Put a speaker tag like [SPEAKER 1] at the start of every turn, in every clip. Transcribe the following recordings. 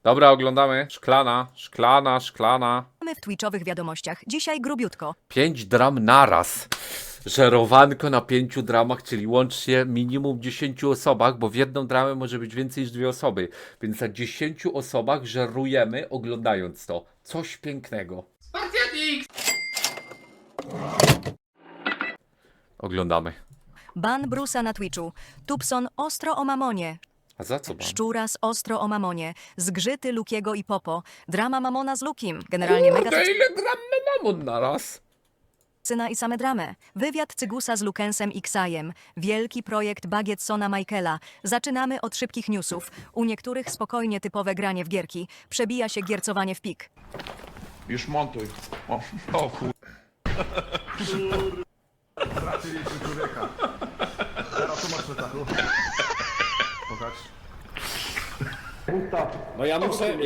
[SPEAKER 1] Dobra, oglądamy. Szklana.
[SPEAKER 2] Mamy w twitchowych wiadomościach. Dzisiaj grubiutko.
[SPEAKER 1] 5 dram naraz. Żerowanko na 5 dramach, czyli łącznie minimum 10 osobach, bo w jedną dramę może być więcej niż 2 osoby. Więc na 10 osobach żerujemy oglądając to. Coś pięknego. Oglądamy.
[SPEAKER 2] Ban Brusa na Twitchu. Tubson ostro o mamonie.
[SPEAKER 1] A za co ban?
[SPEAKER 2] Szczuras ostro o mamonie. Zgrzyty Lukiego i Popo. Drama Mamona z Lukim. Generalnie mega
[SPEAKER 1] Kurde, ile gram mamon naraz?
[SPEAKER 2] tokscyna i same dramy. Wywiad Cygusa z Lukensem i Ksajem. Wielki projekt Bagetsona Michaela. Zaczynamy od szybkich newsów. U niektórych spokojnie typowe granie w gierki. Przebija się giercowanie w pik.
[SPEAKER 3] Już montuj. O kur...
[SPEAKER 4] Straciliśmy człowieka. Teraz tu masz metachu. Pokaż.
[SPEAKER 5] No ja muszę...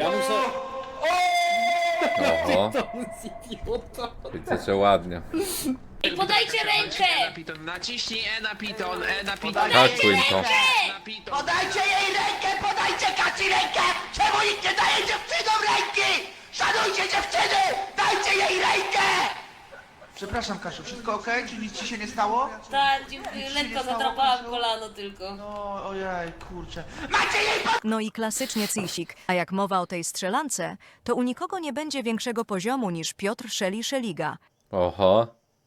[SPEAKER 1] Oho. Widzę, że ładnie.
[SPEAKER 6] I podajcie rękę!
[SPEAKER 7] Piton, naciśnij E na Piton, E na Piton.
[SPEAKER 1] Takuj to.
[SPEAKER 7] Na Piton.
[SPEAKER 6] Podajcie jej rękę! Podajcie Kaci rękę! Czemu nikt nie daje dziewczynom ręki? Szanujcie dziewczyny! Dajcie jej rękę!
[SPEAKER 3] Przepraszam Kasiu, wszystko okej? Czy nic ci się nie stało?
[SPEAKER 8] Tak, dziękuję. Lekko zadrapałam kolano tylko.
[SPEAKER 3] No, ojej, kurczę.
[SPEAKER 6] Macie jej
[SPEAKER 2] No i klasycznie Cisik. A jak mowa o tej strzelance, to u nikogo nie będzie większego poziomu niż Piotr Szeliga.
[SPEAKER 1] Oho.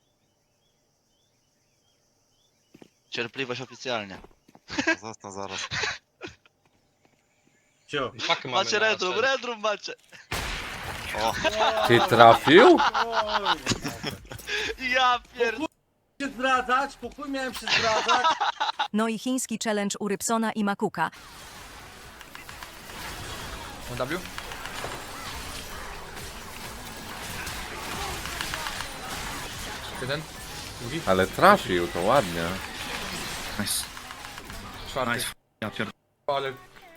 [SPEAKER 9] Cierpliwość oficjalnie.
[SPEAKER 4] Zostań zaraz.
[SPEAKER 9] Macie redrum macie.
[SPEAKER 1] Ty trafił?
[SPEAKER 9] Ja pierdolę.
[SPEAKER 5] się zdradzać, pokój miałem się zdradzać.
[SPEAKER 2] No i chiński challenge u Rybsona i Makuka.
[SPEAKER 3] W? Jeden? Drugi?
[SPEAKER 1] Ale trafił, to ładnie.
[SPEAKER 9] Nice.
[SPEAKER 3] Czwarty.
[SPEAKER 9] Nice. Ja pierdolę.
[SPEAKER 3] Ale...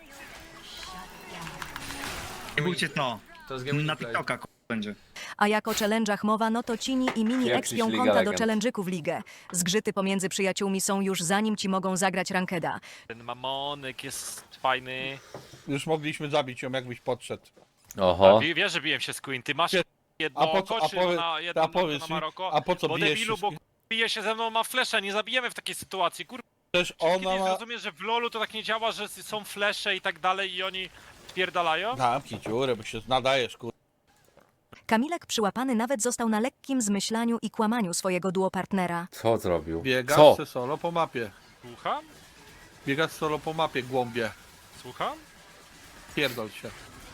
[SPEAKER 9] Nie bójcie to.
[SPEAKER 3] To jest game
[SPEAKER 9] Na
[SPEAKER 3] play.
[SPEAKER 9] TikToka będzie.
[SPEAKER 2] A jak o challenge'ach mowa, no to Cini i Mini
[SPEAKER 1] Jak
[SPEAKER 2] ekspią
[SPEAKER 1] Liga
[SPEAKER 2] konta do
[SPEAKER 1] Legend.
[SPEAKER 2] challenge'yków w ligę. Zgrzyty pomiędzy przyjaciółmi są już zanim ci mogą zagrać rankeda.
[SPEAKER 10] Ten mamonek jest fajny.
[SPEAKER 5] Już mogliśmy zabić ją, jakbyś podszedł.
[SPEAKER 1] Oho.
[SPEAKER 10] Wiesz, że biłem się z Queen. Ty masz jedno
[SPEAKER 5] A po co-
[SPEAKER 10] oko,
[SPEAKER 5] a
[SPEAKER 10] czy
[SPEAKER 5] powie-
[SPEAKER 10] na jedno
[SPEAKER 5] a
[SPEAKER 10] na
[SPEAKER 5] powiedz mi,
[SPEAKER 10] Maroko?
[SPEAKER 5] a po co
[SPEAKER 10] Bo
[SPEAKER 5] bijesz
[SPEAKER 10] debilu,
[SPEAKER 5] się
[SPEAKER 10] bo
[SPEAKER 5] z-
[SPEAKER 10] bije się ze mną, ma flesze, nie zabijemy w takiej sytuacji. Kurwa,
[SPEAKER 5] Przecież ona
[SPEAKER 10] kiedyś
[SPEAKER 5] ma...
[SPEAKER 10] zrozumiesz, że w LoLu to tak nie działa, że są flesze i tak dalej i oni spierdalają?
[SPEAKER 5] Zamknij dziurę, bo się nadajesz, kur...
[SPEAKER 2] Kamilek przyłapany nawet został na lekkim zmyślaniu i kłamaniu swojego duopartnera.
[SPEAKER 1] Co zrobił?
[SPEAKER 5] Biegasz
[SPEAKER 1] Co?
[SPEAKER 5] se solo po mapie.
[SPEAKER 10] Słucham?
[SPEAKER 5] Biegasz solo po mapie, głąbie.
[SPEAKER 10] Słucham?
[SPEAKER 5] Pierdol się.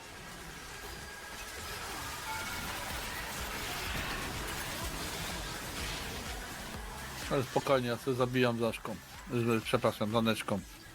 [SPEAKER 5] Ale spokojnie, ja sobie zabijam Zaszką. Przepraszam, Zaneczką.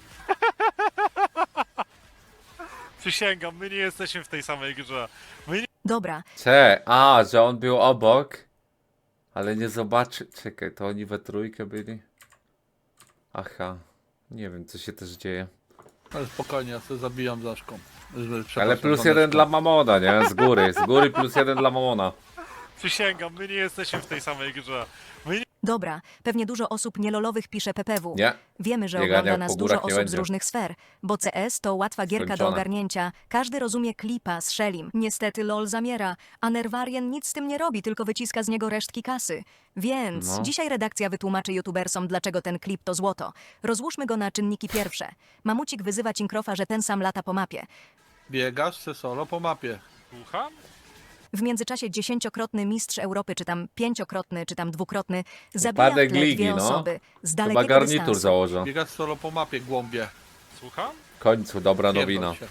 [SPEAKER 10] Przysięgam, my nie jesteśmy w tej samej grze. My nie...
[SPEAKER 2] Dobra,
[SPEAKER 1] Że on był obok. Ale nie zobaczy. Czekaj, to oni we trójkę byli? Aha. Nie wiem, co się też dzieje.
[SPEAKER 5] Ale spokojnie, ja sobie zabijam Zaszką. Przepraszam,
[SPEAKER 1] Ale plus
[SPEAKER 5] Zaneczką.
[SPEAKER 1] jeden dla Mamona, nie? Z góry. Z góry plus jeden dla Mamona.
[SPEAKER 10] Przysięgam, my nie jesteśmy w tej samej grze. My nie...
[SPEAKER 2] dobra. Pewnie dużo osób nielolowych pisze PPW.
[SPEAKER 1] Nie.
[SPEAKER 2] Wiemy, że
[SPEAKER 1] Biegania
[SPEAKER 2] ogląda
[SPEAKER 1] po
[SPEAKER 2] nas
[SPEAKER 1] górach
[SPEAKER 2] dużo
[SPEAKER 1] nie
[SPEAKER 2] osób z
[SPEAKER 1] będzie.
[SPEAKER 2] różnych sfer, bo CS to łatwa gierka do
[SPEAKER 1] Skończone.
[SPEAKER 2] ogarnięcia. Każdy rozumie klipa z Shellim. Niestety LOL zamiera, a Nerwarien nic z tym nie robi, tylko wyciska z niego resztki kasy. Więc
[SPEAKER 1] No.
[SPEAKER 2] dzisiaj redakcja wytłumaczy youtubersom, dlaczego ten klip to złoto. Rozłóżmy go na czynniki pierwsze. Mamucik wyzywa Cinkrofa, że ten sam lata po mapie.
[SPEAKER 5] Biegasz se solo po mapie.
[SPEAKER 10] Słucham?
[SPEAKER 2] W międzyczasie 10-krotny mistrz Europy, czy tam 5-krotny, czy tam 2-krotny, zabija w
[SPEAKER 1] Upadek
[SPEAKER 2] tle
[SPEAKER 1] ligi,
[SPEAKER 2] dwie
[SPEAKER 1] no.
[SPEAKER 2] osoby z
[SPEAKER 1] Chyba
[SPEAKER 2] dalekiego
[SPEAKER 1] garnitur
[SPEAKER 2] dystansu.
[SPEAKER 1] założę.
[SPEAKER 5] Biegasz solo po mapie, głąbie.
[SPEAKER 10] Słucham?
[SPEAKER 1] W końcu, dobra
[SPEAKER 5] Pierdol
[SPEAKER 1] nowina.
[SPEAKER 5] się.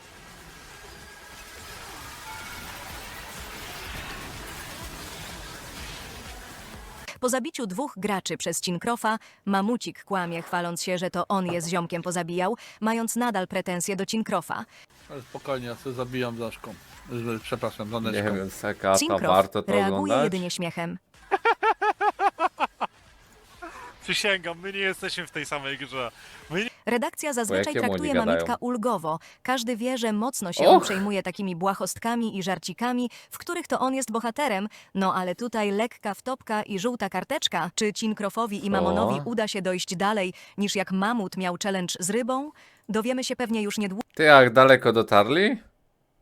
[SPEAKER 2] Po zabiciu 2 graczy przez Cinkrofa, Mamucik kłamie, chwaląc się, że to on je z ziomkiem pozabijał, mając nadal pretensje do Cinkrofa.
[SPEAKER 5] Ale spokojnie, ja sobie zabijam Zaszką. Przepraszam,
[SPEAKER 1] Nie
[SPEAKER 5] Zaneczką.
[SPEAKER 1] wiem, Sekata,
[SPEAKER 2] Cinkrof
[SPEAKER 1] warto to
[SPEAKER 2] reaguje
[SPEAKER 1] oglądać?
[SPEAKER 2] jedynie śmiechem.
[SPEAKER 10] Przysięgam, my nie jesteśmy w tej samej grze. My nie...
[SPEAKER 2] Redakcja zazwyczaj
[SPEAKER 1] jakiemu
[SPEAKER 2] traktuje
[SPEAKER 1] oni gadają?
[SPEAKER 2] Mamitka ulgowo. Każdy wie, że mocno się
[SPEAKER 1] Och!
[SPEAKER 2] on przejmuje takimi błahostkami i żarcikami, w których to on jest bohaterem. No ale tutaj lekka wtopka i żółta karteczka. Czy Cinkrofowi i Mamonowi uda się dojść dalej, niż jak Mamut miał challenge z rybą? Dowiemy się pewnie już niedługo.
[SPEAKER 1] Ty jak daleko dotarli?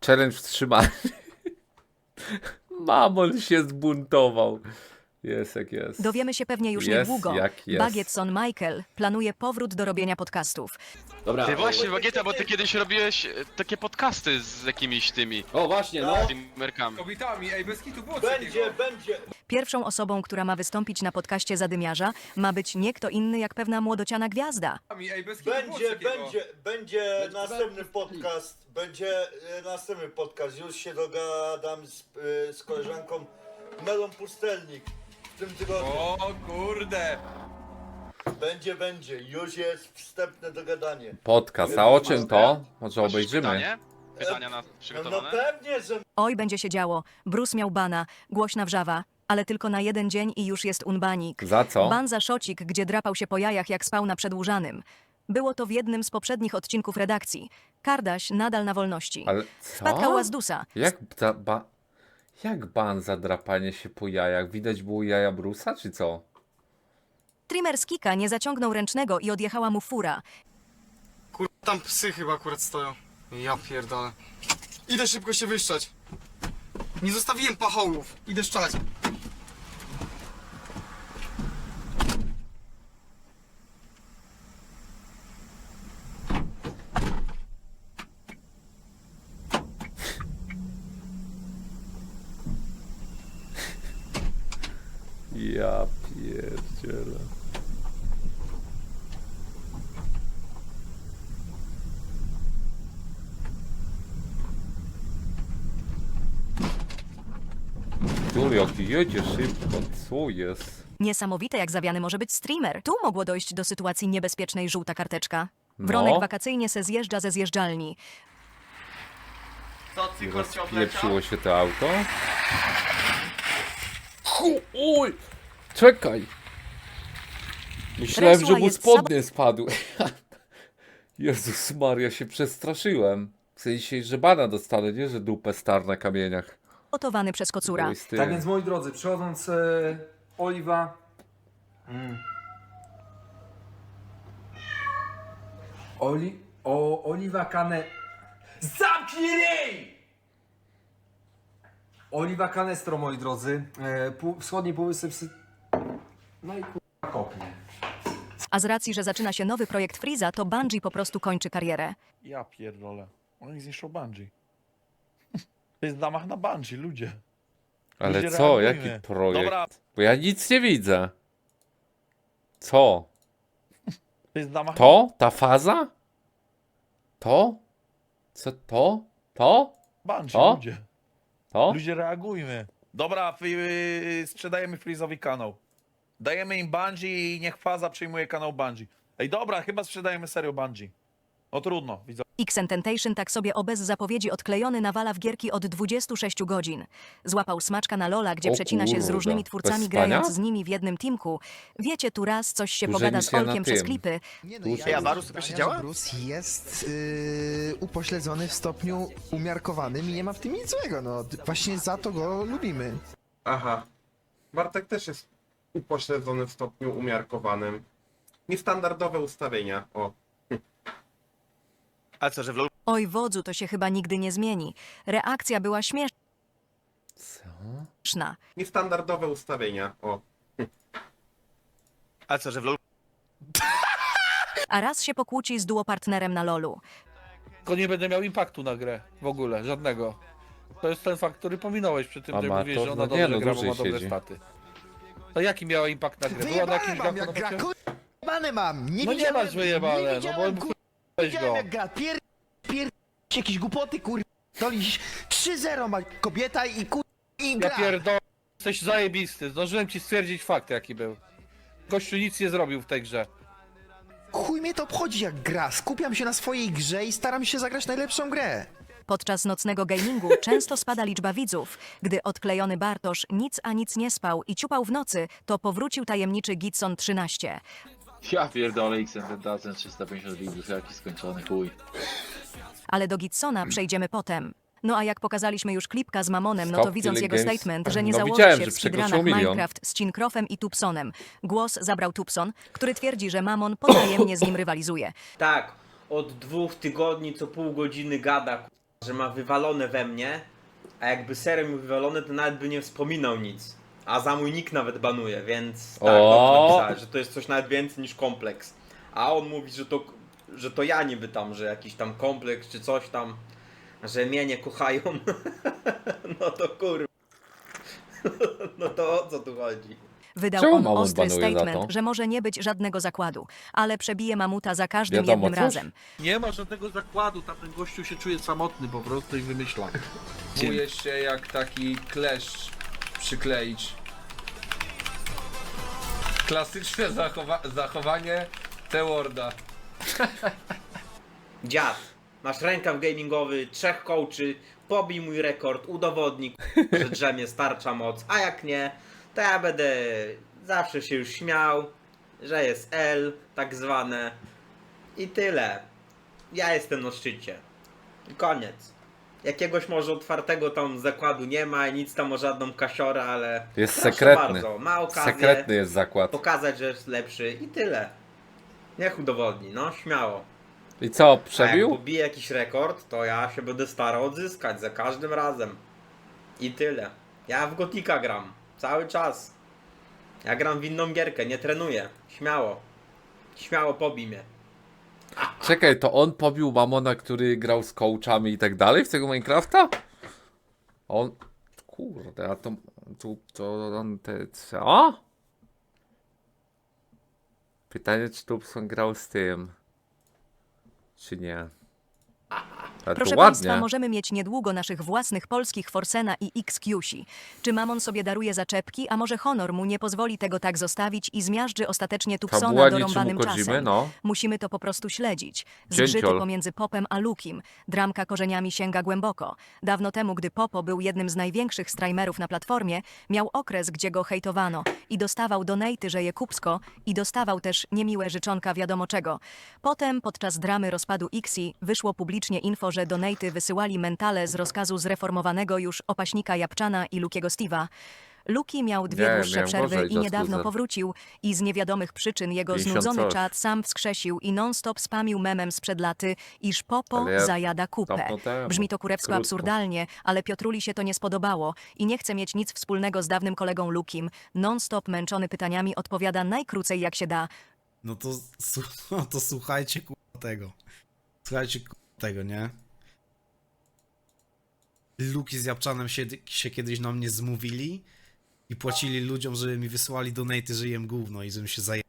[SPEAKER 1] Challenge wstrzymany. Mamon się zbuntował. Jest jak jest.
[SPEAKER 2] Dowiemy się pewnie już
[SPEAKER 1] Jest
[SPEAKER 2] niedługo.
[SPEAKER 1] jak jest.
[SPEAKER 2] Bagietson Michael planuje powrót do robienia podcastów.
[SPEAKER 11] Dobra.
[SPEAKER 7] Ty właśnie, Bagieta, bo ty kiedyś robiłeś takie podcasty z jakimiś tymi
[SPEAKER 11] O właśnie, no.
[SPEAKER 7] streamerkami.
[SPEAKER 4] Kobietami, ej, bez kitu było
[SPEAKER 11] Będzie.
[SPEAKER 2] Pierwszą osobą, która ma wystąpić na podcaście Zadymiarza, ma być nie kto inny jak pewna młodociana gwiazda.
[SPEAKER 4] Ej, bez kitu
[SPEAKER 11] Będzie następny podcast. Będzie następny podcast. Już się dogadam z koleżanką Melą Pustelnik w tym tygodniu.
[SPEAKER 4] O kurde.
[SPEAKER 11] Będzie. Już jest wstępne dogadanie.
[SPEAKER 1] Podcast, a o czym to? Może obejrzymy.
[SPEAKER 7] Pytania
[SPEAKER 11] No
[SPEAKER 7] przygotowane?
[SPEAKER 11] pewnie, że
[SPEAKER 2] Oj, będzie się działo. Bruce miał bana, głośna wrzawa, ale tylko na jeden dzień i już jest unbanik.
[SPEAKER 1] Za co?
[SPEAKER 2] Ban za szocik, gdzie drapał się po jajach jak spał na przedłużanym. Było to w jednym z poprzednich odcinków redakcji. Kardaś nadal na wolności.
[SPEAKER 1] Ale
[SPEAKER 2] Wpadka
[SPEAKER 1] co?
[SPEAKER 2] Łazdusa.
[SPEAKER 1] Jak ban za drapanie się po jajach? Widać było jaja Brusa, czy co?
[SPEAKER 2] Streamer z Kika nie zaciągnął ręcznego i odjechała mu fura.
[SPEAKER 6] Tam psy chyba akurat stoją. Ja pierdolę. Idę szybko się wyszczać. Nie zostawiłem pachołów. Idę szczać.
[SPEAKER 1] Ja pierdzielę. Tu jaki jedzie szybko, co jest?
[SPEAKER 2] Niesamowite, jak zawiany może być streamer. Tu mogło dojść do sytuacji niebezpiecznej żółta karteczka. Wronek
[SPEAKER 1] No.
[SPEAKER 2] wakacyjnie se zjeżdża ze zjeżdżalni.
[SPEAKER 6] Co, cykor cię
[SPEAKER 1] Rozpieprzyło się to auto. Oj! Czekaj! Myślałem, że
[SPEAKER 2] Resła
[SPEAKER 1] mu
[SPEAKER 2] jest
[SPEAKER 1] spodnie spadły. Jezus Maria, się przestraszyłem. W sensie, że bana dostanę, nie? Że dupę star na kamieniach.
[SPEAKER 2] Gotowany przez kocura.
[SPEAKER 1] Oj, z tym.
[SPEAKER 4] Tak więc moi drodzy, przechodząc Oliwa. Oliwa Cane. Zamknij ryj! Oliwa Canestro, moi drodzy. Wschodni półwysep. No i kurwa kopnie.
[SPEAKER 2] A z racji, że zaczyna się nowy projekt Freeza, to Bungie po prostu kończy karierę.
[SPEAKER 5] Ja pierdolę. Oni zniszczą Bungie. To jest zamach na Bungie, ludzie.
[SPEAKER 1] Ale
[SPEAKER 5] Ludzie
[SPEAKER 1] co?
[SPEAKER 5] reagujmy.
[SPEAKER 1] Jaki projekt?
[SPEAKER 5] Dobra.
[SPEAKER 1] Bo ja nic nie widzę. Co?
[SPEAKER 5] To jest zamach
[SPEAKER 1] To? Ta faza? To? Co to? To?
[SPEAKER 5] na Bungie,
[SPEAKER 1] O?
[SPEAKER 5] ludzie.
[SPEAKER 1] To?
[SPEAKER 5] Ludzie reagujmy. Dobra, sprzedajemy Freeze'owi kanał. Dajemy im Bungie i niech Faza przejmuje kanał Bungie. Ej, dobra, chyba sprzedajemy serio Bungie. No trudno, widzę.
[SPEAKER 2] X-Tentation tak sobie o bez zapowiedzi odklejony nawala w gierki od 26 godzin. Złapał smaczka na Lola, gdzie
[SPEAKER 1] O
[SPEAKER 2] przecina się z
[SPEAKER 1] kurwa.
[SPEAKER 2] różnymi twórcami,
[SPEAKER 1] Bez spania?
[SPEAKER 2] grając z nimi w jednym teamku. Wiecie, tu raz coś się
[SPEAKER 1] Dłużej
[SPEAKER 2] pogada
[SPEAKER 1] niż
[SPEAKER 2] z
[SPEAKER 1] ja na
[SPEAKER 2] Olkiem przez
[SPEAKER 1] tym.
[SPEAKER 2] klipy.
[SPEAKER 6] Nie no,
[SPEAKER 1] Dłużej.
[SPEAKER 6] ja
[SPEAKER 3] Varus to jeszcze działa?
[SPEAKER 6] Bruce jest upośledzony w stopniu umiarkowanym i nie ma w tym nic złego, no. Właśnie za to go lubimy.
[SPEAKER 4] Aha. Bartek też jest upośledzony w stopniu umiarkowanym. Niestandardowe ustawienia. O.
[SPEAKER 6] A co, że w LoL
[SPEAKER 2] Oj, wodzu, to się chyba nigdy nie zmieni. Reakcja była
[SPEAKER 1] Co?
[SPEAKER 2] śmieszna.
[SPEAKER 4] Niestandardowe ustawienia. O.
[SPEAKER 6] A co, że w LoL
[SPEAKER 2] A raz się pokłóci z duopartnerem na LoLu.
[SPEAKER 5] Tylko nie będę miał impaktu na grę. W ogóle, żadnego. To jest ten fakt, który pominąłeś przy tym, że
[SPEAKER 1] Amator,
[SPEAKER 5] mówiłeś, że ona
[SPEAKER 1] no
[SPEAKER 5] dobrze
[SPEAKER 1] nie, no
[SPEAKER 5] gra, bo ma
[SPEAKER 1] dłużej
[SPEAKER 5] dobre
[SPEAKER 1] siedzi.
[SPEAKER 5] staty. To jaki miała impact na grę? Była na jakimś
[SPEAKER 6] mam, jak
[SPEAKER 5] gachu
[SPEAKER 6] gra,
[SPEAKER 5] na
[SPEAKER 6] wyjebane mam! Nie
[SPEAKER 5] No nie
[SPEAKER 6] widziałem,
[SPEAKER 5] masz wyjebane,
[SPEAKER 6] nie
[SPEAKER 5] no bo
[SPEAKER 6] widziałem,
[SPEAKER 5] weź go.
[SPEAKER 6] widziałem jak gra, jakieś głupoty, to liś 3-0 ma kobieta i i
[SPEAKER 5] Ja
[SPEAKER 6] gra.
[SPEAKER 5] pierdolę, jesteś zajebisty. Zdążyłem ci stwierdzić fakt, jaki był. Gościu nic nie zrobił w tej grze.
[SPEAKER 6] Chuj mnie to obchodzi jak gra, skupiam się na swojej grze i staram się zagrać najlepszą grę.
[SPEAKER 2] Podczas nocnego gamingu często spada liczba widzów. Gdy odklejony Bartosz nic a nic nie spał i ciupał w nocy, to powrócił tajemniczy Gitson 13.
[SPEAKER 11] Ja pierdolę X-Tentation 350 widzów, jaki skończony chuj.
[SPEAKER 2] Ale do Gitsona przejdziemy potem. No a jak pokazaliśmy już klipka z Mamonem, no to
[SPEAKER 1] Stop
[SPEAKER 2] widząc
[SPEAKER 1] Killing
[SPEAKER 2] jego
[SPEAKER 1] Games.
[SPEAKER 2] statement, że nie
[SPEAKER 1] No
[SPEAKER 2] założy
[SPEAKER 1] widziałem,
[SPEAKER 2] się
[SPEAKER 1] że
[SPEAKER 2] w
[SPEAKER 1] przekroczył
[SPEAKER 2] speedrunach
[SPEAKER 1] 1 000 000.
[SPEAKER 2] Minecraft z Cinkrofem i Tupsonem. Głos zabrał Tupson, który twierdzi, że Mamon potajemnie z nim rywalizuje.
[SPEAKER 12] Tak, od 2 tygodni co pół godziny gada że ma wywalone we mnie, a jakby serio mi wywalone, to nawet by nie wspominał nic. A za mój nick nawet banuje, więc tak, dobrze napisałeś, że to jest coś nawet więcej niż kompleks. A on mówi, że to ja niby tam, że jakiś tam kompleks czy coś tam, że mnie nie kochają. No to kurwa. No to o co tu chodzi?
[SPEAKER 2] Wydał
[SPEAKER 1] Czemu
[SPEAKER 2] on
[SPEAKER 1] Mamut
[SPEAKER 2] ostry
[SPEAKER 1] banuje za to?
[SPEAKER 2] statement, że może nie być żadnego zakładu, ale przebije Mamuta za każdym
[SPEAKER 1] Wiadomo
[SPEAKER 2] jednym
[SPEAKER 1] coś?
[SPEAKER 2] razem.
[SPEAKER 3] Nie ma żadnego zakładu, tamten gościu się czuje samotny po prostu i wymyśla.
[SPEAKER 6] Czuję się jak taki kleszcz przykleić. Klasyczne zachowanie T-Worda.
[SPEAKER 12] Dziad, masz rękaw gamingowy, 3 coachy, pobij mój rekord, udowodnij, że drzemie starcza moc, a jak nie, to ja będę zawsze się już śmiał, że jest L, tak zwane, i tyle. Ja jestem na szczycie. I koniec. Jakiegoś może otwartego tam zakładu nie ma i nic tam o żadną kasiorę, ale
[SPEAKER 1] Jest
[SPEAKER 12] proszę
[SPEAKER 1] sekretny.
[SPEAKER 12] bardzo, ma okazję
[SPEAKER 1] Sekretny jest zakład.
[SPEAKER 12] pokazać, że jest lepszy i tyle. Niech udowodni, no śmiało.
[SPEAKER 1] I co,
[SPEAKER 12] A jak
[SPEAKER 1] przebił?
[SPEAKER 12] pobije jakiś rekord, to ja się będę starał odzyskać za każdym razem. I tyle. Ja w Gotika gram. Cały czas. Ja gram w inną gierkę, nie trenuję. Śmiało. Śmiało pobij mnie.
[SPEAKER 1] Czekaj, to on pobił Mamona, który grał z coachami i tak dalej w tego Minecrafta? On... Kurde, a to on te... Co? Pytanie, czy Tubson grał z tym? Czy nie? Ale
[SPEAKER 2] Proszę
[SPEAKER 1] to
[SPEAKER 2] Państwa,
[SPEAKER 1] ładnie.
[SPEAKER 2] możemy mieć niedługo naszych własnych polskich Forsena i XQC. Czy Mamon sobie daruje zaczepki, a może honor mu nie pozwoli tego tak zostawić i zmiażdży ostatecznie Tubsona
[SPEAKER 1] Fabuła
[SPEAKER 2] dorąbanym
[SPEAKER 1] niczym u Kojimy,
[SPEAKER 2] czasem?
[SPEAKER 1] no.
[SPEAKER 2] Musimy to po prostu śledzić. Zgrzyty
[SPEAKER 1] Dzięciol.
[SPEAKER 2] pomiędzy Popem a Lukim. Dramka korzeniami sięga głęboko. Dawno temu, gdy Popo był jednym z największych streamerów na platformie, miał okres, gdzie go hejtowano i dostawał donaty, że je kupsko i dostawał też niemiłe życzonka wiadomo czego. Potem, podczas dramy rozpadu Xi, wyszło publicznie info, że donaty wysyłali mentale z rozkazu zreformowanego już opaśnika Japczana i Lukiego Steve'a. Luki miał dwie
[SPEAKER 1] Nie,
[SPEAKER 2] dłuższe
[SPEAKER 1] miałem
[SPEAKER 2] przerwy
[SPEAKER 1] gorzej,
[SPEAKER 2] i niedawno
[SPEAKER 1] Just
[SPEAKER 2] powrócił i z niewiadomych przyczyn jego
[SPEAKER 1] 50
[SPEAKER 2] znudzony
[SPEAKER 1] coś.
[SPEAKER 2] czat sam wskrzesił i non-stop spamił memem sprzed laty, iż Popo
[SPEAKER 1] Ale ja
[SPEAKER 2] zajada kupę.
[SPEAKER 1] dawno temu,
[SPEAKER 2] Brzmi to kurewsko
[SPEAKER 1] krótko.
[SPEAKER 2] absurdalnie, ale Piotruli się to nie spodobało i nie chce mieć nic wspólnego z dawnym kolegą Lukim. Non-stop męczony pytaniami odpowiada najkrócej jak się da.
[SPEAKER 6] No to słuchajcie tego. Słuchajcie tego, nie? Luki z Japczanem się kiedyś na mnie zmówili i płacili ludziom, żeby mi wysyłali donaty, że jem gówno i żebym się zajęł.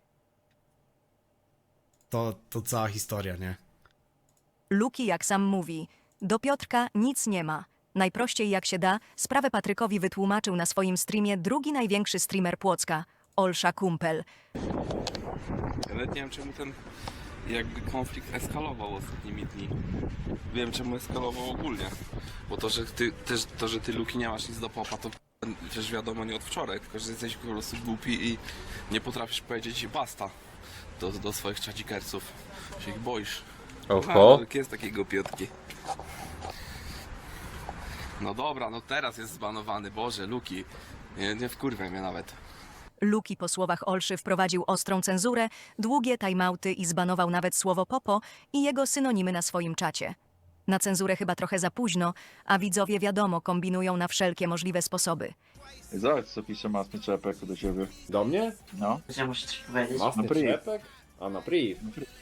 [SPEAKER 6] To cała historia, nie?
[SPEAKER 2] Luki, jak sam mówi, do Piotrka nic nie ma. Najprościej jak się da, sprawę Patrykowi wytłumaczył na swoim streamie drugi największy streamer Płocka, Olsza Kumpel.
[SPEAKER 3] Ja nawet nie wiem czemu ten jakby konflikt eskalował ostatnimi dni. Wiem czemu eskalował ogólnie. Bo to, że ty Luki nie masz nic do Popa, to przecież wiadomo nie od wczoraj, tylko że jesteś po prostu głupi i nie potrafisz powiedzieć basta do swoich czadzikerców. Się ich boisz.
[SPEAKER 1] Oho.
[SPEAKER 3] Jest takie głupiutki. No dobra, no teraz jest zbanowany, Boże, Luki. Nie wkurwaj mnie nawet.
[SPEAKER 2] Luki po słowach Olszy wprowadził ostrą cenzurę, długie timeouty i zbanował nawet słowo Popo i jego synonimy na swoim czacie. Na cenzurę chyba trochę za późno, a widzowie wiadomo kombinują na wszelkie możliwe sposoby.
[SPEAKER 3] Zobacz co pisze Masny Czepek do ciebie.
[SPEAKER 4] Do mnie?
[SPEAKER 3] No.
[SPEAKER 8] Ja muszę coś powiedzieć.
[SPEAKER 4] Masny
[SPEAKER 3] Na priv.
[SPEAKER 4] czepek? A na priv.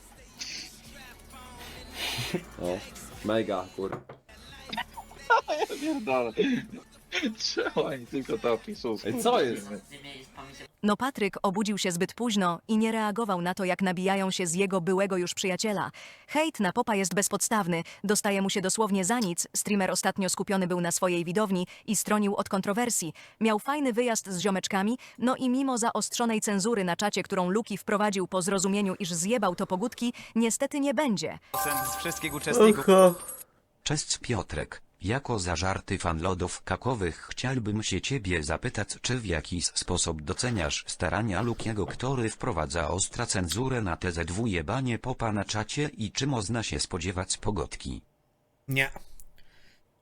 [SPEAKER 4] O, mega, kur.
[SPEAKER 3] Ja pierdolę. Czemu oni tylko to piszą?
[SPEAKER 4] Ej, co jest?
[SPEAKER 2] No Patryk obudził się zbyt późno i nie reagował na to, jak nabijają się z jego byłego już przyjaciela. Hejt na Popa jest bezpodstawny, dostaje mu się dosłownie za nic. Streamer ostatnio skupiony był na swojej widowni i stronił od kontrowersji. Miał fajny wyjazd z ziomeczkami, no i mimo zaostrzonej cenzury na czacie, którą Luki wprowadził po zrozumieniu, iż zjebał to pogódki, niestety nie będzie.
[SPEAKER 6] Z wszystkich uczestników.
[SPEAKER 13] Cześć Piotrek. Jako zażarty fan lodów kakowych chciałbym się ciebie zapytać, czy w jakiś sposób doceniasz starania Lukiego, który wprowadza ostra cenzurę na TZW jebanie Popa na czacie i czy można się spodziewać pogotki?
[SPEAKER 6] Nie.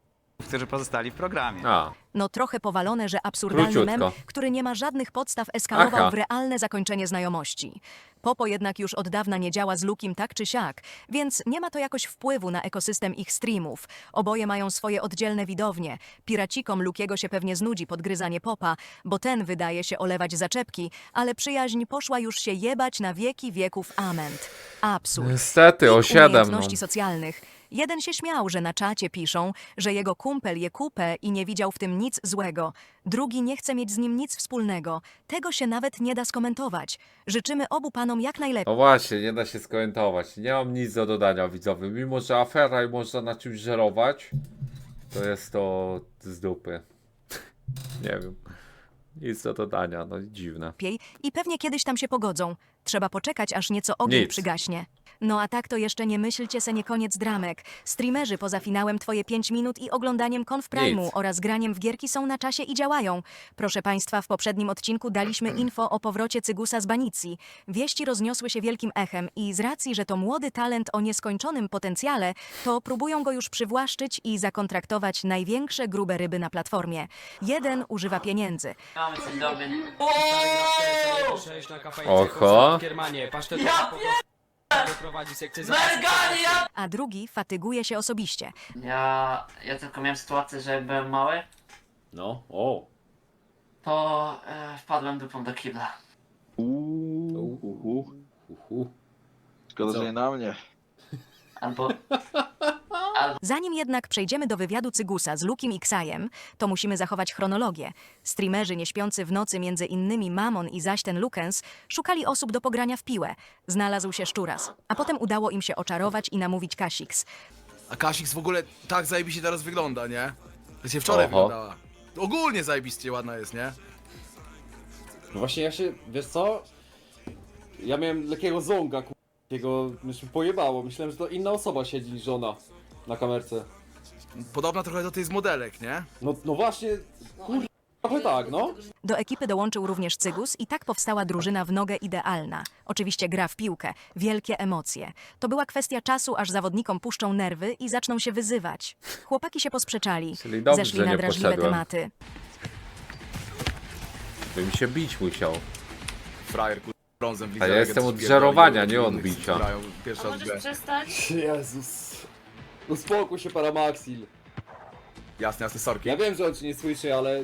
[SPEAKER 9] którzy pozostali w programie.
[SPEAKER 1] A,
[SPEAKER 2] No trochę powalone, że absurdalny mem,
[SPEAKER 1] króciutko.
[SPEAKER 2] który nie ma żadnych podstaw, eskalował
[SPEAKER 1] Aha.
[SPEAKER 2] w realne zakończenie znajomości. Popo jednak już od dawna nie działa z Lukim tak czy siak, więc nie ma to jakoś wpływu na ekosystem ich streamów. Oboje mają swoje oddzielne widownie. Piracikom Lukiego się pewnie znudzi podgryzanie Popa, bo ten wydaje się olewać zaczepki, ale przyjaźń poszła już się jebać na wieki wieków ament. Absurd.
[SPEAKER 1] niestety, o
[SPEAKER 2] Pik
[SPEAKER 1] 7, no.
[SPEAKER 2] umiejętności socjalnych. Jeden się śmiał, że na czacie piszą, że jego kumpel je kupę i nie widział w tym nic złego. Drugi nie chce mieć z nim nic wspólnego. Tego się nawet nie da skomentować. Życzymy obu panom jak najlepiej.
[SPEAKER 1] No właśnie, nie da się skomentować. Nie mam nic do dodania widzowie. Mimo, że afera i można na czymś żerować, to jest to z dupy. Nie wiem. Nic do dodania, no dziwne.
[SPEAKER 2] I pewnie kiedyś tam się pogodzą. Trzeba poczekać, aż nieco ogień
[SPEAKER 1] Nic.
[SPEAKER 2] przygaśnie. No a tak to jeszcze nie myślcie se nie koniec dramek. Streamerzy poza finałem Twoje 5 minut i oglądaniem Conf Prime'u
[SPEAKER 1] Nic.
[SPEAKER 2] oraz graniem w gierki są na czasie i działają. Proszę Państwa, w poprzednim odcinku daliśmy info o powrocie Cygusa z banicji. Wieści rozniosły się wielkim echem i z racji, że to młody talent o nieskończonym potencjale, to próbują go już przywłaszczyć i zakontraktować największe grube ryby na platformie. Jeden używa pieniędzy.
[SPEAKER 1] Oho.
[SPEAKER 2] A drugi fatyguje się osobiście.
[SPEAKER 8] Ja tylko miałem sytuację, że jak byłem mały,
[SPEAKER 1] No, o.
[SPEAKER 8] to wpadłem dupą do kibla.
[SPEAKER 3] Szkoda, że nie na mnie.
[SPEAKER 8] Albo
[SPEAKER 2] Zanim jednak przejdziemy do wywiadu Cygusa z Lukim i Ksajem, to musimy zachować chronologię. Streamerzy nieśpiący w nocy, między innymi Mamon i zaś ten Lukens, szukali osób do pogrania w piłę. Znalazł się Szczuras, a potem udało im się oczarować i namówić Kasix.
[SPEAKER 6] A Kasix w ogóle tak zajebiście teraz wygląda, nie? To się wczoraj
[SPEAKER 1] Oho.
[SPEAKER 6] wyglądała. Ogólnie zajebiście ładna jest, nie?
[SPEAKER 14] No właśnie ja się, wiesz co? Ja miałem lekkiego zonga, takiego, już mi pojebało. Myślałem, że to inna osoba siedzi niż żona na kamerce.
[SPEAKER 6] Podobna trochę do tej z modelek, nie?
[SPEAKER 14] No właśnie, trochę tak, no.
[SPEAKER 2] Do ekipy dołączył również Cygus i tak powstała drużyna w nogę idealna. Oczywiście gra w piłkę, wielkie emocje. To była kwestia czasu, aż zawodnikom puszczą nerwy i zaczną się wyzywać. Chłopaki się posprzeczali,
[SPEAKER 1] Czyli dobrze,
[SPEAKER 2] zeszli
[SPEAKER 1] że
[SPEAKER 2] na
[SPEAKER 1] nie
[SPEAKER 2] drażliwe
[SPEAKER 1] poszedłem.
[SPEAKER 2] tematy.
[SPEAKER 1] Bym się bić musiał.
[SPEAKER 6] Frajer, brązem
[SPEAKER 1] A ja jestem od żerowania, nie od bicia.
[SPEAKER 8] a możesz przestać?
[SPEAKER 14] Jezus. Uspokój się, Paramaxil.
[SPEAKER 6] Jasne, sorki.
[SPEAKER 14] Ja wiem, że on cię nie słyszy, ale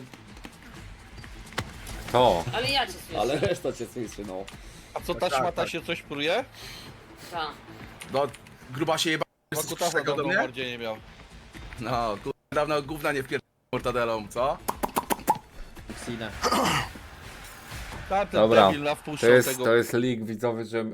[SPEAKER 1] To.
[SPEAKER 8] Ale ja cię słyszę.
[SPEAKER 14] reszta cię słyszy, no.
[SPEAKER 5] A co ta szmata się coś pruje?
[SPEAKER 8] Tak.
[SPEAKER 6] No, gruba się jeba...
[SPEAKER 5] Bo kutasa
[SPEAKER 6] do
[SPEAKER 5] dawno
[SPEAKER 6] mnie?
[SPEAKER 5] bardziej nie miał.
[SPEAKER 6] No, dawno gówna nie wpier... mortadelą, co?
[SPEAKER 5] Ta, ten
[SPEAKER 1] Dobra,
[SPEAKER 5] debil nawpuszczał tego.
[SPEAKER 1] to jest link widzowy, że...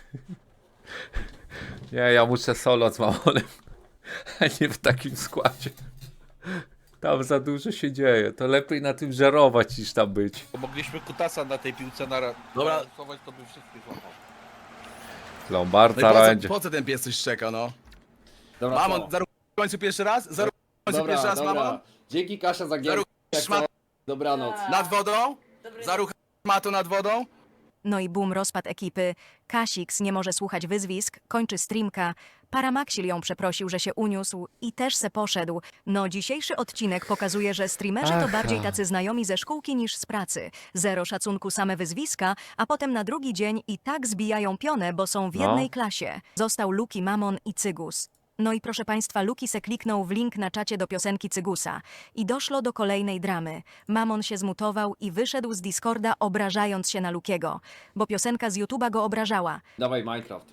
[SPEAKER 1] Nie, ja muszę solo z Mamonem, a nie w takim składzie. Tam za dużo się dzieje, to lepiej na tym żerować niż tam być.
[SPEAKER 5] Bo mogliśmy kutasa na tej piłce
[SPEAKER 6] Dobra.
[SPEAKER 5] narysować, to by wszystkich złapał.
[SPEAKER 1] Lombarda będzie.
[SPEAKER 6] Po co ten pies coś czeka, no?
[SPEAKER 14] Dobra,
[SPEAKER 6] Mamon,
[SPEAKER 14] co?
[SPEAKER 6] zaruch w końcu pierwszy raz? Zaruch w końcu pierwszy raz, Mamon?
[SPEAKER 14] Dzięki Kasia za gierkę.
[SPEAKER 6] Zaruch szmat
[SPEAKER 14] Dobranoc.
[SPEAKER 6] nad wodą?
[SPEAKER 8] Dobry
[SPEAKER 6] Zaruch szmatu nad wodą?
[SPEAKER 2] No i boom, rozpad ekipy. Kasix nie może słuchać wyzwisk, kończy streamka. Paramaxil ją przeprosił, że się uniósł i też se poszedł. No dzisiejszy odcinek pokazuje, że streamerzy to
[SPEAKER 1] Aha.
[SPEAKER 2] bardziej tacy znajomi ze szkółki niż z pracy. Zero szacunku, same wyzwiska, a potem na drugi dzień i tak zbijają pionę, bo są w
[SPEAKER 1] No.
[SPEAKER 2] jednej klasie. Został Luki, Mamon i Cygus. No i proszę Państwa, Luki se kliknął w link na czacie do piosenki Cygusa. I doszło do kolejnej dramy. Mamon się zmutował i wyszedł z Discorda, obrażając się na Lukiego, bo piosenka z YouTube'a go obrażała.
[SPEAKER 14] Dawaj Minecraft.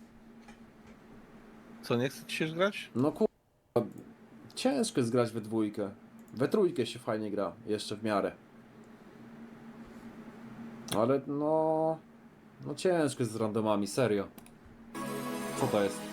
[SPEAKER 5] Co, nie chce ci się grać?
[SPEAKER 14] No ciężko jest grać we dwójkę. We trójkę się fajnie gra, jeszcze w miarę. Ale no ciężko jest z randomami, serio. Co to jest?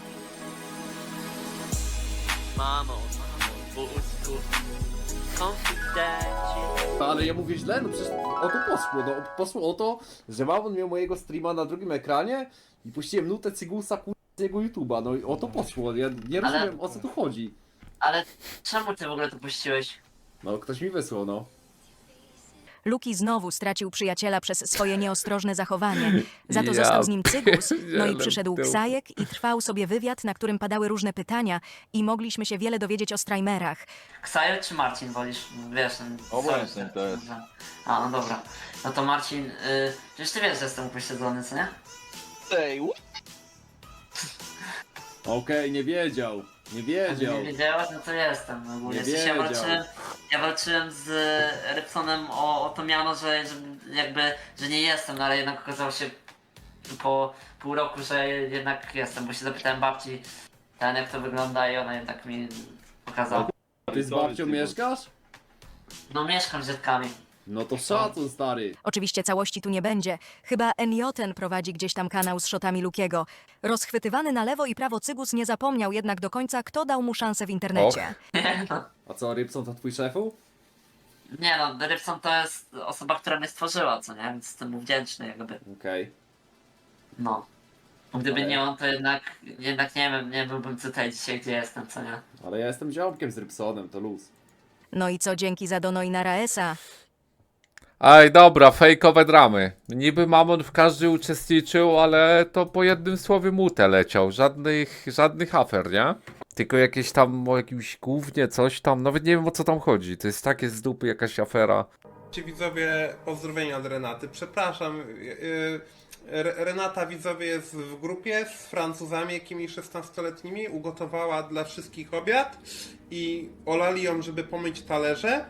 [SPEAKER 8] Mamo, wózku, konfidencie.
[SPEAKER 14] Ale ja mówię źle, no przecież o to poszło, no poszło o to, że Mamon miał mojego streama na drugim ekranie i puściłem nutę Cygusa z jego YouTube'a, no i o to poszło, ja nie rozumiem o co tu chodzi.
[SPEAKER 8] Ale czemu ty w ogóle to puściłeś?
[SPEAKER 14] No ktoś mi wysłał, no.
[SPEAKER 2] Luki znowu stracił przyjaciela przez swoje nieostrożne zachowanie. Za to
[SPEAKER 1] Ja
[SPEAKER 2] został z nim Cygus, no i
[SPEAKER 1] pierdzielę
[SPEAKER 2] przyszedł
[SPEAKER 1] tył.
[SPEAKER 2] Ksajek i trwał sobie wywiad, na którym padały różne pytania i mogliśmy się wiele dowiedzieć o Strajmerach.
[SPEAKER 8] Ksajer czy Marcin wolisz? Wiesz,
[SPEAKER 5] Obojętnie to jest.
[SPEAKER 8] A, no dobra. No to Marcin, przecież ty wiesz, że jestem upośledzony, co nie?
[SPEAKER 14] Okej, nie wiedział. Nie wiedział.
[SPEAKER 8] Nie wiedziałaś? No to jestem ogólnie.
[SPEAKER 14] Nie
[SPEAKER 8] W sensie
[SPEAKER 14] wiedział.
[SPEAKER 8] ja walczyłem z Rybsonem o to miano, że jakby, że nie jestem, no ale jednak okazało się po pół roku, że jednak jestem, bo się zapytałem babci, jak to wygląda i ona jednak mi pokazała.
[SPEAKER 14] Ty z babcią mieszkasz?
[SPEAKER 8] No mieszkam z dziadkami.
[SPEAKER 14] No to szacun, stary.
[SPEAKER 2] Oczywiście całości tu nie będzie. Chyba Enjoten prowadzi gdzieś tam kanał z shotami Lukiego. Rozchwytywany na lewo i prawo Cygus nie zapomniał jednak do końca, kto dał mu szansę w internecie.
[SPEAKER 14] A co, Rybson to twój szefu?
[SPEAKER 8] Nie no, Rybson to jest osoba, która mnie stworzyła, co nie? Więc jestem mu wdzięczny jakby.
[SPEAKER 14] Okej.
[SPEAKER 8] No. Gdyby
[SPEAKER 14] Ale-
[SPEAKER 8] nie on, to jednak nie wiem, nie byłbym tutaj dzisiaj, gdzie jestem, co nie?
[SPEAKER 14] Ale ja jestem ziomkiem z Rybsonem, to luz.
[SPEAKER 2] No i co dzięki za Dono i Naraesa?
[SPEAKER 1] Aj, dobra, fejkowe dramy. Niby Mamon w każdej uczestniczył, ale to po jednym słowie mute leciał. Żadnych afer, nie? Tylko jakieś tam o jakimś gównie, coś tam. Nawet nie wiem, o co tam chodzi. To jest takie z dupy jakaś afera.
[SPEAKER 4] Ci widzowie, pozdrowienia od Renaty. Przepraszam, Renata widzowie jest w grupie z Francuzami jakimiś 16-letnimi, ugotowała dla wszystkich obiad i olali ją, żeby pomyć talerze.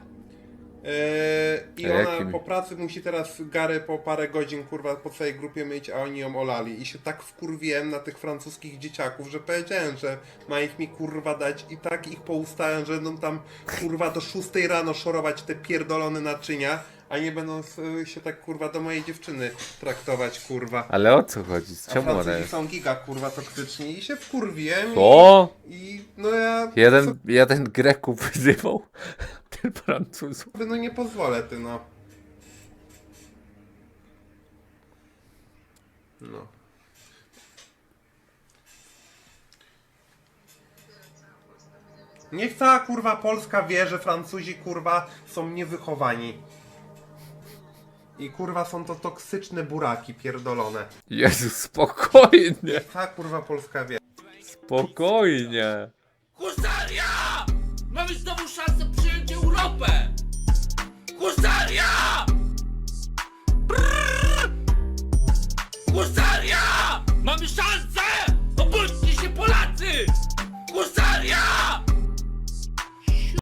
[SPEAKER 4] I
[SPEAKER 1] A
[SPEAKER 4] ona
[SPEAKER 1] jakim?
[SPEAKER 4] po pracy musi teraz Gary po parę godzin kurwa po całej grupie myć, a oni ją olali. I się tak wkurwiłem na tych francuskich dzieciaków, że powiedziałem, że ma ich mi kurwa dać i tak ich poustałem, że będą tam kurwa do 6 rano szorować te pierdolone naczynia, a nie będą się tak kurwa do mojej dziewczyny traktować kurwa.
[SPEAKER 1] Ale o co chodzi? Z
[SPEAKER 4] A
[SPEAKER 1] czemu ona
[SPEAKER 4] Francuzi
[SPEAKER 1] jest?
[SPEAKER 4] są giga kurwa toksyczni i się wkurwiłem
[SPEAKER 1] O!
[SPEAKER 4] i no ja
[SPEAKER 1] Jeden Greków wyzywał ten Francuzów.
[SPEAKER 4] sobie no nie pozwolę ty no. No. Niech cała kurwa Polska wie, że Francuzi kurwa są niewychowani. I kurwa są to toksyczne buraki pierdolone.
[SPEAKER 1] Jezu, spokojnie.
[SPEAKER 4] Niech cała kurwa Polska wie.
[SPEAKER 1] Spokojnie.
[SPEAKER 11] Husaria! Mamy znowu szansę przyjąć Europę! Husaria! Brrr! Husaria! Mamy szansę!